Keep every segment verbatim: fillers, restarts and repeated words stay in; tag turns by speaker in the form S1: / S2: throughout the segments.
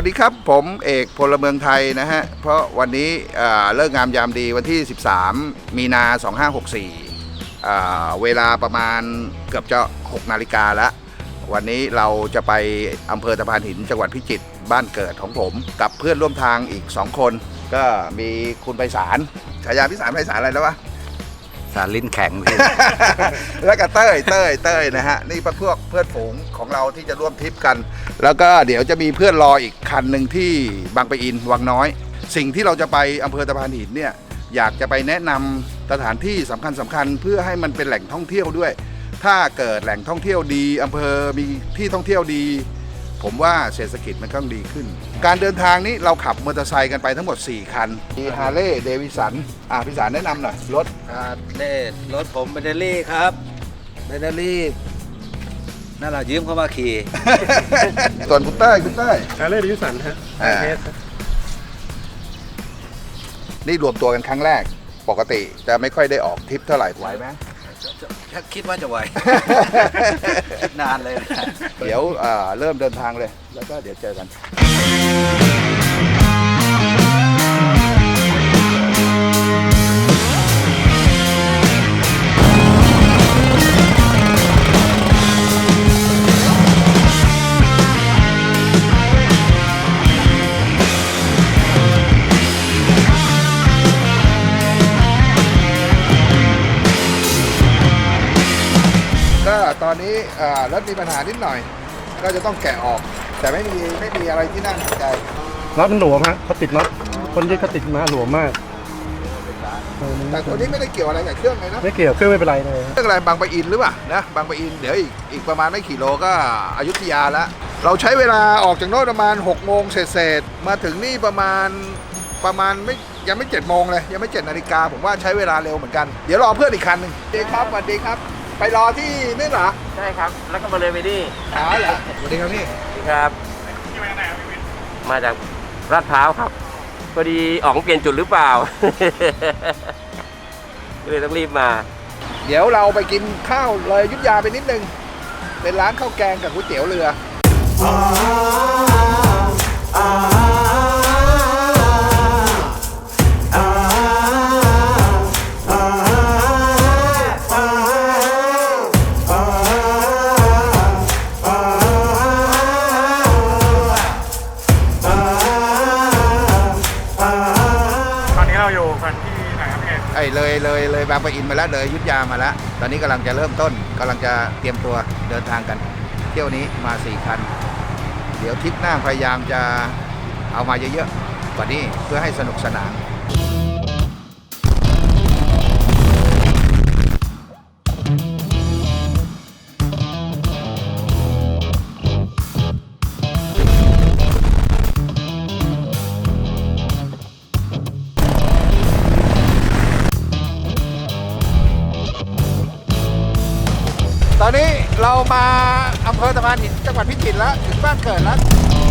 S1: ดีครับผมเอกพลเมืองไทยนะฮะเพราะวันนี้เลิกงามยามดีวันที่สิบสามมีนาสองห้าหกสี่เวลาประมาณเกือบจะหกนาฬิกาแล้ววันนี้เราจะไปอำเภอตะพานหินจังหวัดพิจิตรบ้านเกิดของผมกับเพื่อนร่วมทางอีกสองคนก็มีคุณไพศาลฉายาพิสารไพศาลอะไรแล้ววะ
S2: สารลิ้นแข็ง
S1: แล้วก็เต้ยเต้ยเต้ยนะฮะนี่พวกเพื่อนฝูงของเราที่จะร่วมทริปกันแล้วก็เดี๋ยวจะมีเพื่อนรออีกคันหนึ่งที่บางปะอินวังน้อยสิ่งที่เราจะไปอำเภอตะพานหินเนี่ยอยากจะไปแนะนำสถานที่สำคัญสำคัญเพื่อให้มันเป็นแหล่งท่องเที่ยวด้วยถ้าเกิดแหล่งท่องเที่ยวดีอำเภอมีที่ท่องเที่ยวดีผมว่าเศรษฐกิจมันก็ดีขึ้นการเดินทางนี้เราขับมอเตอร์ไซค์กันไปทั้งหมดสี่คันมีฮาร์เลย์เดวิสันอ่ะพิสารแนะนำหน่อยรถ
S2: ฮาร์เลย์รถผมแบตเตอรี่ครับแบตเตอรี่นั่นแหละยืมเข้ามาขี่
S1: ส่วนคุณเต้ยคุณเต้ย
S3: ฮาร์เลย์เดวิสันฮะ
S1: นี่รวมตัวกันครั้งแรกปกติจะไม่ค่อยได้ออกทริปเท่าไหร่ไหวไหม
S2: คิดว่าจะไหว นานเลยนะ
S1: เดี๋ยวเริ่มเดินทางเลยแล้วก็เดี๋ยวเจอกันตอนนี้รถมีปัญหานิดหน่อยก็จะต้องแกะออกแต่ไม่มีไม่มีอะไรที่น่าหนักใจ
S3: น็อตมันหลวมฮะเขาติดน็อตคนที่เขาติดมาหลวมมาก
S1: แต่ตัวนี้ไม่ได้เกี่ยวอะไรกับเครื่องเลยนะ
S3: ไม่เกี่ยวเครื่องไม่เป็นไรเลย
S1: เครื่องอะไรบางปะอินหรือเปล่านะบางปะอินเดี๋ยวอีกอีกประมาณไม่กี่โลก็อยุธยาแล้วเราใช้เวลาออกจากโน่นประมาณหกโมงเศษๆมาถึงนี่ประมาณประมาณไม่ยังไม่เจ็ดโมงเลยยังไม่เจ็ดนาฬิกาผมว่าใช้เวลาเร็วเหมือนกันเดี๋ยวรอเพื่อนอีกคันหนึ่งดีครับสวัสดีครับไปรอที่นี่เหรอ
S2: ใช่ครับแล้วก็มาเลยไปดิ
S1: อ๋อเหรอสวัสดีครับพี่
S2: สวัสดีครับมาจากลาดพร้าวครับพอดีอ๋องเปลี่ยนจุดหรือเปล่า ก็เลยต้องรีบมา
S1: เดี๋ยวเราไปกินข้าวเลยอยุธยาไปนิดนึงเป็นร้านข้าวแกงกับก๋วยเตี๋ยวเรือเลยเลยเลยบางปะอินมาแล้วเลยอยุธยามาแล้วตอนนี้กำลังจะเริ่มต้นกำลังจะเตรียมตัวเดินทางกันเที่ยวนี้มาสี่คันเดี๋ยวทริปหน้าพยายามจะเอามาเยอะๆกว่านี้เพื่อให้สนุกสนานตอนนี้เรามาอำเภอตะพานหินจังหวัดพิจิตรแล้วถึงบ้านเกิดแล้ว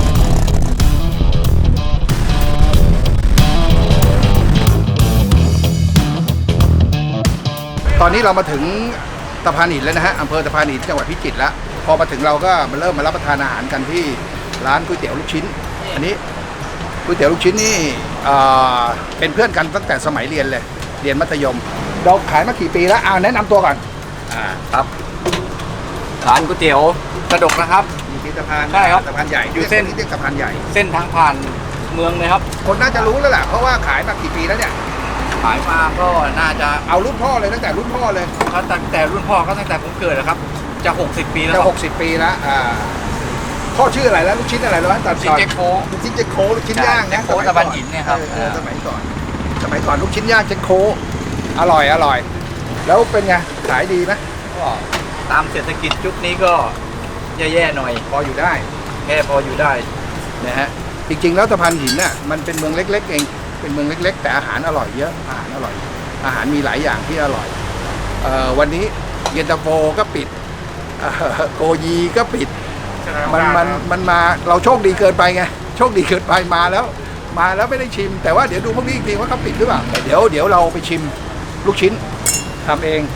S1: ตอนนี้เรามาถึงตะพานหินแล้วนะฮะอำเภอตะพานหินจังหวัดพิจิตรแล้วพอมาถึงเราก็มาเริ่มมารับประทานอาหารกันที่ร้านก๋วยเตี๋ยวลูกชิ้นอันนี้ก๋วยเตี๋ยวลูกชิ้นนี่เป็นเพื่อนกันตั้งแต่สมัยเรียนเลยเรียนมัธยมเราขายมากี่ปีแล้วเอาแนะนำตัวก่อน
S2: อ่าครับร้านก๋วยเตี๋ยวกระดกนะครับ
S1: อยู่ที่สะพาน
S2: ใช่ครับ
S1: สะพานใหญ่
S2: อยู่เส้น
S1: ที่สะพานใหญ่
S2: เส้นทางผ่านเมืองเลยครับ
S1: คนน่าจะรู้แล้วแหละเพราะว่าขายมากี่ปีแล้วเนี่ย
S2: ขายมาก็น่าจะ
S1: เอารุ่นพ่อเลยตั้งแต่รุ่นพ่อเลย
S2: เขาตั้งแต่รุ่นพ่อก็ตั้งแต่ผมเกิดนะครับจะหกสิบปีแล้ว
S1: จะหกสิบปีแล้วอ่าพ่อชื่ออะไรแล้วลูกชิ้นอะไรแล้วตอน
S2: ชิ้นเจโค
S1: ลูกชิ้นเจโคลูกชิ้นย่างนะ
S2: โคตะบันหินเนี่ยครับ
S1: สมัยก่อนสมัยก่อนลูกชิ้นย่างเจโคอร่อยอร่อยแล้วเป็นไงขายดีไหม
S2: ก็ตามเศรษฐกิจยุคนี้ก็แย่ๆหน่อย
S1: พออยู่ได้
S2: แค่พออยู่ได้
S1: นะฮะจริงๆแล้วตะพานหินน่ะมันเป็นเมืองเล็กๆเองเป็นเมืองเล็กๆแต่อาหารอร่อยเยอะอาหารอร่อยอาหารมีหลายอย่างที่อร่อยเอ่อวันนี้เย็นตาโฟก็ปิดโกยีก็ปิดมันมันมันมาเราโชคดีเกินไปไงโชคดีเกินไปมาแล้วมาแล้วไม่ได้ชิมแต่ว่าเดี๋ยวดูพวกนี้อีกทีว่าเขาปิดหรือเปล่าเดี๋ยวเดี๋ยวเราไปชิมลูกชิ้นทำเอง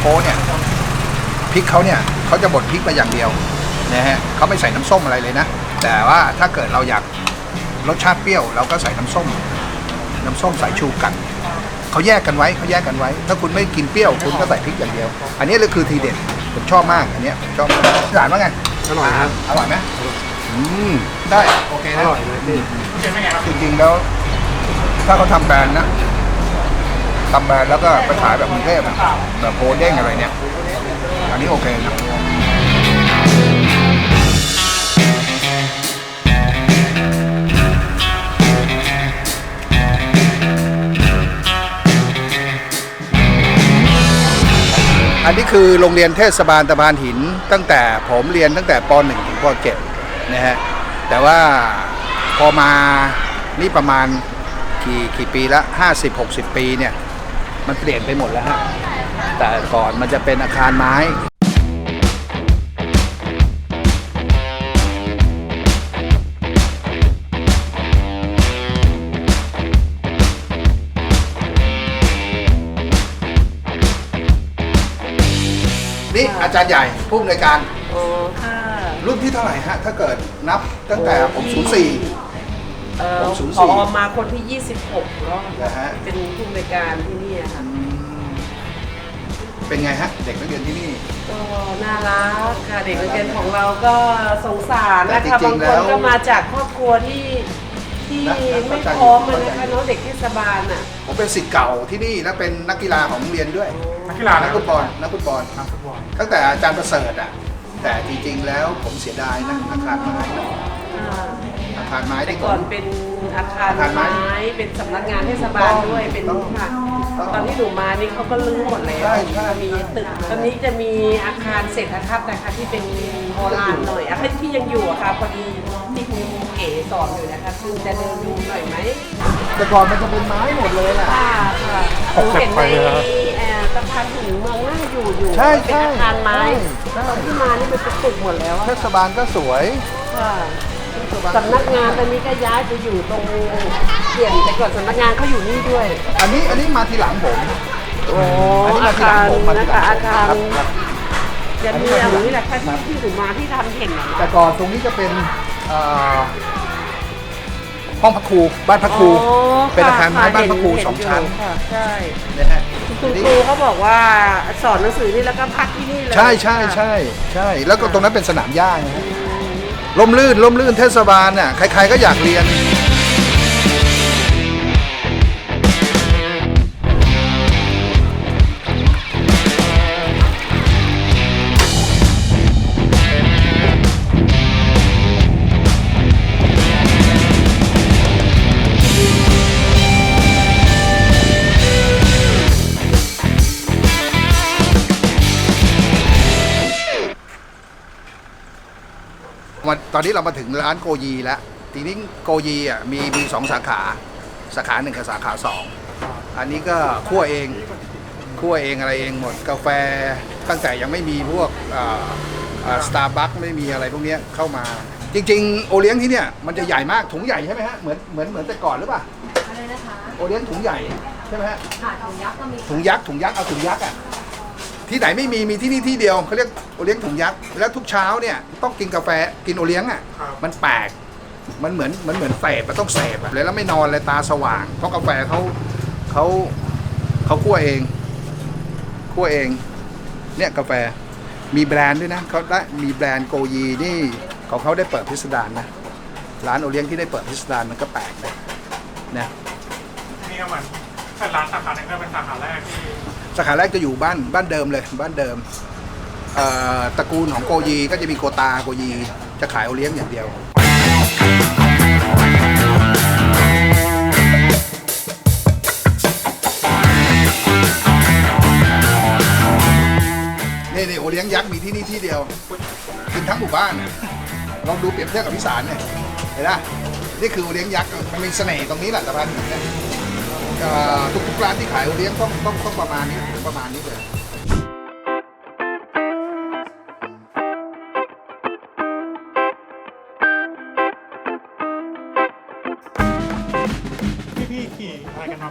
S1: โก้เนี่ยพริกเขาเนี่ยเขาจะบดพริกมาอย่างเดียวนะฮะเขาไม่ใส่น้ำส้มอะไรเลยนะแต่ว่าถ้าเกิดเราอยากรสชาติเปรี้ยวเราก็ใส่น้ำส้มน้ำส้มสายชูกันเขาแยกกันไว้เขาแยกกันไว้ ถ้าคุณไม่กินเปรี้ยวคุณก็ใส่พริกอย่างเดียว อันนี้เลยคือทีเด็ดผมชอบมากอันเนี้ยผมชอบมากหลานว่าไง
S3: อร่อยครับ
S1: อร่อยไหมอืมได้โอเค
S3: อ
S1: นะ
S3: ร่อยเลยพี่
S1: จริงๆแล้วถ้าเขาทำแบรนด์นะทำแบรนด์แล้วก็ไปขายแบบกรุงเทพอะแบบโพเด้งอะไรเนี่ยอันนี้โอเคนะอันนี้คือโรงเรียนเทศบาลตะพานหินตั้งแต่ผมเรียนตั้งแต่ป .หนึ่ง ถึงป .เจ็ด นะฮะแต่ว่าพอมานี่ประมาณกี่กี่ปีละห้าสิบ หกสิบ ปีเนี่ยมันเปลี่ยนไปหมดแล้วฮะแต่ก่อนมันจะเป็นอาคารไม้นี่อาจารย์ใหญ่ผู้อำนวยการ
S4: อ๋อค่ะ
S1: รุ่นที่เท่าไหร่ฮะ ถ้าเกิดนับตั้งแต่ผมศูนย์สี่
S4: เอ่อ
S1: ผมศูนย์
S4: พ
S1: สี่
S4: อมาคนที่ ยี่สิบหกแล้ว
S1: นะฮะ
S4: เป็นผู้อำนวยการที่นี่ค่ะ
S1: เป็นไงฮะ เด็กนักเรียนที่นี่
S4: ก็น่ารักค่ะเด็กนักเรียนของเราก็สงสารนะ
S1: แต่
S4: คะ
S1: จริ
S4: บาง
S1: งๆ
S4: ค
S1: แล้
S4: น
S1: ว
S4: ก็มาจากครอบครัวที่ที่
S1: นะนะ
S4: ไม่
S1: เข้าใจ
S4: พร้อม
S1: อยู่
S4: อะนะคะเนาะเด็กเทศบาลอ่ะ
S1: ผมเป็นศิษย์เก่าที่นี่และเป็นนักกีฬาของโรงเรียนด้วย
S3: นักกีฬา
S1: นักฟุตบอลนักฟุตบอล
S3: นักฟุตบอล
S1: ตั้งแต่อาจารย์ประเสริฐอ่ะแต่จริงๆแล้วผมเสียดายนะอาคารไม้นะ
S4: อ่า
S1: อาคารไม้
S4: แต่
S1: ที่ผ
S4: ก่อน
S1: ม
S4: เป็นอาคาร
S1: อาคารไม้
S4: ไม้เป็นสำนักงานเทศบาลด้วยเป็น
S1: ต้อง
S4: ค่ะ
S1: ต้อง
S4: ตอนที่หนูมานี่เขาก็ลื้อหมดแล้ว
S1: ใช่ใช่
S4: มีตึกตอนนี้จะมีอาคารเศรษฐทัศน์นะคะที่เป็นโบราณหน่อยอาคารที่ยังอยู่อะค่ะพอดีที่คุณเก๋สอนอยู่นะคะคุณจะเดินดูหน่อยไหม
S1: แต่ก่อนมันจะเป็นไม้หมดเลยแหละ
S4: ค่ะค่ะหนูเห็นในเอ่อสะพานถึงเมืองน่าอยู่อยู่
S1: ใช่
S4: เป็น
S1: ใช่
S4: อาคารไม้
S1: ใช่
S4: ตอนที่มานี่เป็นตึกหมดแล้วอะ
S1: เทศบาลก็สวย
S4: ค่ะสำนักงานตอนนี้ก็ย้ายไปอยู่ตรงเปลี่ยนแต่ก่อนสำนักงานเขาอยู่นี่ด้วย
S1: อันนี้อันนี้มาทีหลังผม
S4: โอ้
S1: อันนี้
S4: อา
S1: มาทีหลั
S4: คาง ร
S1: ผมมาที
S4: นะ
S1: หลั
S4: คะ
S1: ง
S4: อาคาร
S1: ครับครับ
S4: จะมีอะไรนี่แหละค่ะที่ที่หนูมาที่ทำเห็นนะ
S1: แต่ก่อนตรงนี้จะเป็นเอ่อห้องพักครูบ้านพักครู
S4: อ๋อ
S1: เป็นอาคารไม้
S4: ค่ะ
S1: บ้านพักครู
S4: เห็
S1: สองชั้น
S4: ยู่ค่ะใช่
S1: นะฮะ
S4: คุณครูเขาบอกว่าสอนหนังสือนี่แล้วก็พักที่นี่เลย
S1: ใช่ใช่ใช่ใช่ แล้วก็ตรงนั้นเป็นสนามหญ้าไงฮะล่มลื่นล่มลื่นเทศบาลน่ะใครๆก็อยากเรียน มาตอนนี้เรามาถึงร้านโกยีแล้ว ทีนี้โกยีอ่ะมีมีสองสาขา สาขาหนึ่งกับสาขาสอง อันนี้ก็คั่วเอง คั่วเองอะไรเองหมด กาแฟตั้งแต่ยังไม่มีพวกสตาร์บัคไม่มีอะไรพวกเนี้ยเข้ามา จริงๆ โอเลี้ยงที่เนี่ยมันจะใหญ่มาก ถุงใหญ่ใช่ไหมฮะ เหมือนเหมือนเหมือนแต่ก่อนหรือเปล่า
S5: อะไรนะคะ
S1: โอเลี้ยงถุงใหญ่ใช่ไหมฮะ
S5: ค่ะถุงยักษ์ก็มี
S1: ถุงยักษ์ถุงยักษ์เอาถุงยักษ์อ่ะที่ไหนไม่มีมีที่นี่ที่เดียวเขาเรียกโอเลี้ยงถุงยักษ์แล้วทุกเช้าเนี่ยต้องกินกาแฟกินโอเลี้ยงอ่ะมันแปลกมันเหมือนมันเหมือนเสพมันต้องเสพอะเลยแล้วไม่นอนเลยตาสว่าง เพราะกาแฟเขาเขาเขาคั่วเองคั่วเองเนี่ยกาแฟมีแบรนด์ด้วยนะเขาได้มีแบรนด์โกยีนี่ของเขาได้เปิดพิสดารนะร้านโอเลี้ยงที่ได้เปิดพิสดารมันก็แปลกนะนะ
S3: นี่ก็เหมือนเป็นร้านสาขาหนึ่งก็เป็นสาขาแรกที่
S1: สาขาแรกจะอยู่บ้านบ้านเดิมเลยบ้านเดิมเอ่อตระกูลของโกยีก็จะมีโกตาโกยีจะขายโอเลี้ยงอย่างเดียวนี่นี่โอเลี้ยงยักษ์มีที่นี่ที่เดียวกินทั้งหมู่บ้านน่ะลองดูเปรียบเทียบกับพิสารเนี่ยเห็นไหมนี่คือโอเลี้ยงยักษ์มันมีเสน่ห์ตรงนี้แหละสะพานหินเนี่ย เอ่อทุกๆร้านที่ขายโอเลี้ยงต้องต้องต้องประมาณนี้ประมาณนี้เลย
S3: ที่พี่ขี่อะไรกันมา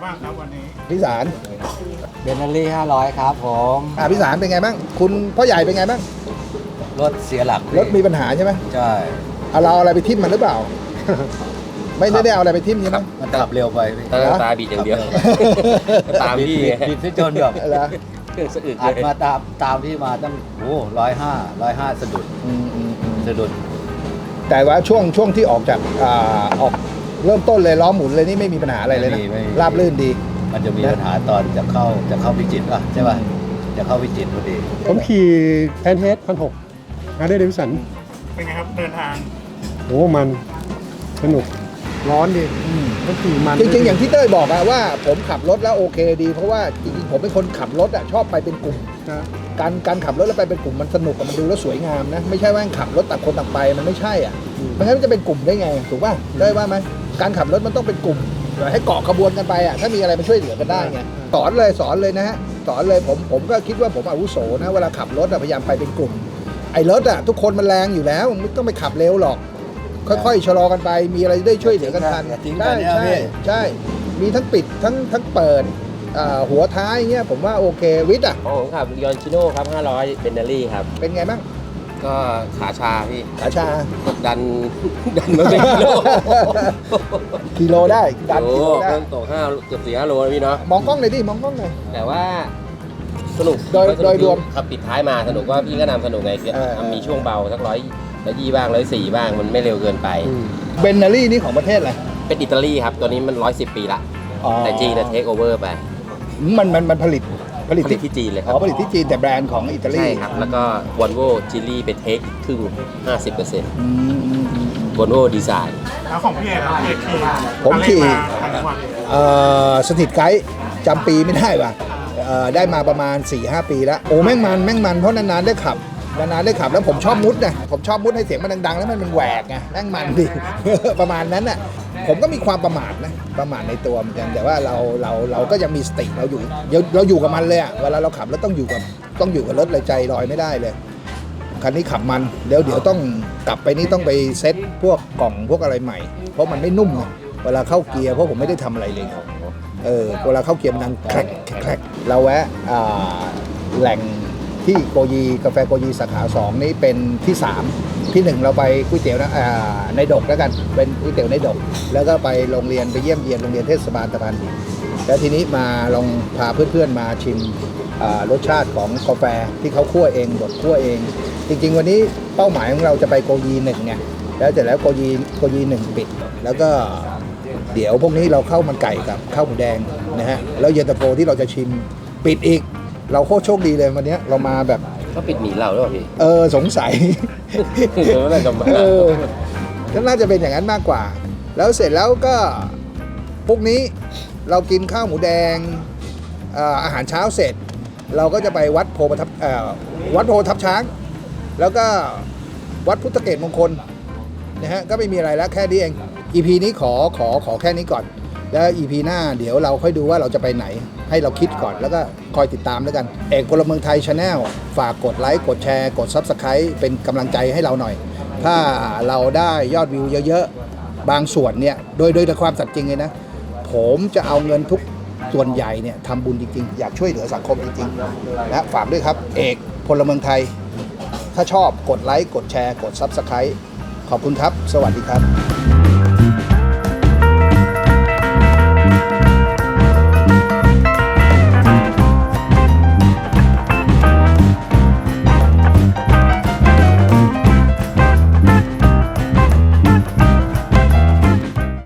S3: บ้างครับวันนี้
S1: พี่สาร
S2: เบนนารี่ห้าร้อยครับผม
S1: อ่าพี่สารเป็นไงบ้างคุณพ่อใหญ่เป็นไงบ้าง
S2: รถเสียหลัก
S1: รถมีปัญหาใช่ไหม
S2: ใช่
S1: เอาเราเอาอะไรไปทิ่มมันหรือเปล่า ไม่ได้ได้เอาอะไรไปทิ่มใช่ไหม
S2: มันขับเร็วไปพี่
S5: ตาตาบีดอย่างเดียว ตามพี่
S2: บิดที่จนแบบ
S1: เหรอ
S5: เครื่องสะอึก
S2: อัด
S5: เลย
S2: มาตามตามพี่มาตั้งโอ้ร้อยห้าร้อยห้าสะดุด
S1: อืมอืมอืม
S2: สะดุด
S1: แต่ว่าช่วงช่วงที่ออกจากอ่าออกเริ่มต้นเลยล้อหมุนเลยนี่ไม่มีปัญหาอะไรเลยนะ
S2: ไม่มีไม่มี
S1: ราบรื่นดี
S2: มันจะมีปัญหาตอนจะเข้าจะเข้าพิจิตรป่ะใช่ป่ะจะเข้าพิจิตรพอดี
S3: ผมขี่แอนเทสพันหกอาร์เดย์เดวิสัน
S6: เป็นไงครับเดินทาง
S3: โอ้มันสนุกร้อนดิก็ขี่มัน
S1: จริงๆ อย่างที่เต้ยบอกอะว่าผมขับรถแล้วโอเคดี เพราะว่าจริงๆผมเป็นคนขับรถอะชอบไปเป็นกลุ่ม
S3: นะ
S1: การการขับรถแล้วไปเป็นกลุ่มมันสนุกอะมันดูแล้วสวยงามนะไม่ใช่ว่าขับรถต่างคนต่างไปมันไม่ใช่อ่ะไม่งั้นมันจะเป็นกลุ่มได้ไงถูกป่ะได้ว่าไหมการขับรถมันต้องเป็นกลุ่มให้เกาะขบวนกันไปอ่ะถ้ามีอะไรมันช่วยเหลือกันได้ไงสอนเลยสอนเลยนะฮะสอนเลยผมผมก็คิดว่าผมอาวุโสนะเวลาขับรถอะพยายามไปเป็นกลุ่มไอ้รถอะทุกคนมันแรงอยู่แล้วไม่ต้องไปขับเร็วหรอก ค่อยๆชะลอกันไปมีอะไรได้ช่วยเหลือกันทัน
S2: อย่าทิ้งกั
S1: ใช่
S2: นเนี่ย
S1: ใช่
S2: พี่
S1: ใช่มีทั้งปิดทั้งทั้งเปิดอ่าหัวท้ายเงี้ยผมว่าโอเควิทย์อ่ะ
S5: ของผมขับยอนชิโน่ครับ ห้าร้อยเบนเนอรี่ครับ
S1: เป็นไงบ้าง
S5: ก็ขาชาพี่
S1: ขาชา
S5: ดัน ดันมาเป็นกิโล
S1: กิโลได้ดัน
S5: โอ้
S1: กิโลได้
S5: เครื่องตกห้าเกือบสี่ห้าโลนะพี่เนาะ
S1: มองกล้องหน่อยดิมองกล้องหน่อย
S5: แต่ว่าสนุก
S1: โดย
S5: สนุก
S1: โดยรวม
S5: ขับปิดท้ายมาสนุกว่าพี่ก็นำสนุกไง
S1: เออ
S5: มีช่วงเบาสักร้อยร้อยยี่บ้างร้อยสี่บ้างมันไม่เร็วเกินไป
S1: เบนนารี่นี่ของประเทศอะไร
S5: เป็นอิตาลีครับ ตัวนี้มันร้อยสิบปีละ
S1: อ๋อ
S5: แต่จีนเทคโอเวอร์ไป
S1: มันมันมันผลิตผลิต
S5: ผลิตที่จีนเลยค
S1: อ๋
S5: รั
S1: อบ ผลิตที่จีนแต่แบรนด์ของอิตาลี
S5: ใช่ครับ แล้วก็วอลโว่จิลี่ไปเทคอีกครึ่งห้าสิบเปอร์เซ็นต์
S1: อืมอืมอืม
S5: วอลโว่ดีไซน์
S6: แล้วของพี่เอกครับพี่เอกขี่
S1: ผมขี่
S6: ทางจังหวัด
S1: เอ่อสถิตไกด์จำปีไม่ได้ว่ะเอ่อได้มาประมาณ สี่ห้า ปีแล้ว โอ้แม่งมันแม่งมันเพราะนานๆได้ขับนานๆได้ขับแล้วผมชอบมุดนะผมชอบมุดให้เสียงมันดังๆ แล้วมันมันแหวกไงแม่งมันดิ ประมาณนั้นน่ะผมก็มีความประมาทนะประมาทในตัวเหมือนกันแต่ว่าเราเราเราก็ยังมีสติเราอยู่เราเราอยู่กับมันเลยอะเวลาเราขับแล้วต้องอยู่กับต้องอยู่กับรถเลยใจลอยไม่ได้เลยคันนี้ขับมันเดี๋ยวเดี๋ยวต้องกลับไปนี่ต้องไปเซ็ตพวกกล่องพวกอะไรใหม่ เพราะมันไม่นุ่มไงเวลาเข้าเกียร์เพราะผมไม่ได้ทำอะไรเลยเออเวลาเข้าเกียร์มันดังแครกแครกเราแวะอ่าแหล่งที่โกยีกาแฟโกยีสาขาสองนี่เป็นที่สามที่หนึ่งเราไปก๋วยเตี๋ยวนะอ่าในดกแล้วกันเป็นก๋วยเตี๋ยวในดก แล้วก็ไปโรงเรียนไปเยี่ยมเยียนโรงเรียนเทศบาลตะพานหินแล้วทีนี้มาลองพาเพื่อนๆมาชิมอ่ารสชาติของกาแฟที่เขาคั่วเองบดคั่วเอง จริงๆวันนี้เป้าหมายของเราจะไปโกยีหนึ่งไงแล้วเสร็จแล้วโกยีโกยีหนึ่งปิด แล้วก็เดี๋ยวพวกนี้เราเข้ามันไก่กับข้าวหมูแดงนะฮะแล้วเย็นตาโฟที่เราจะชิมปิดอีก เราโคตรโชคดีเลยวันนี้เรามาแบบ
S5: ก็ปิดหนีเราด้วยพี่
S1: เออสงสัย
S5: เดี๋ยวน่าจะมา
S1: เออก็น่าจะเป็นอย่างนั้นมากกว่า แล้วเสร็จแล้วก็พวกนี้เรากินข้าวหมูแดงเอ่ออาหารเช้าเสร็จ เราก็จะไปวัดโพประทับเอ่อวัดโพทับช้าง แล้วก็วัดพุทธเกตมงคลนะฮะก็ไม่มีอะไรแล้วแค่นี้เอง อี พี นี้ขอขอขอแค่นี้ก่อน แล้ว อี พี หน้าเดี๋ยวเราค่อยดูว่าเราจะไปไหนให้เราคิดก่อนแล้วก็คอยติดตามแล้วกัน เอกพลเมืองไทย Channel ฝากกดไลค์กดแชร์กด Subscribe เป็นกำลังใจให้เราหน่อย ถ้าเราได้ยอดวิวเยอะๆ บางส่วนเนี่ยโดยโดยแต่ความสัตย์จริงเลยนะ ผมจะเอาเงินทุกส่วนใหญ่เนี่ยทำบุญจริงๆ อยากช่วยเหลือสังคมจริงๆนะฝากด้วยครับ เอกพลเมืองไทย ถ้าชอบกดไลค์กดแชร์กด Subscribe ขอบคุณครับ สวัสดีครับ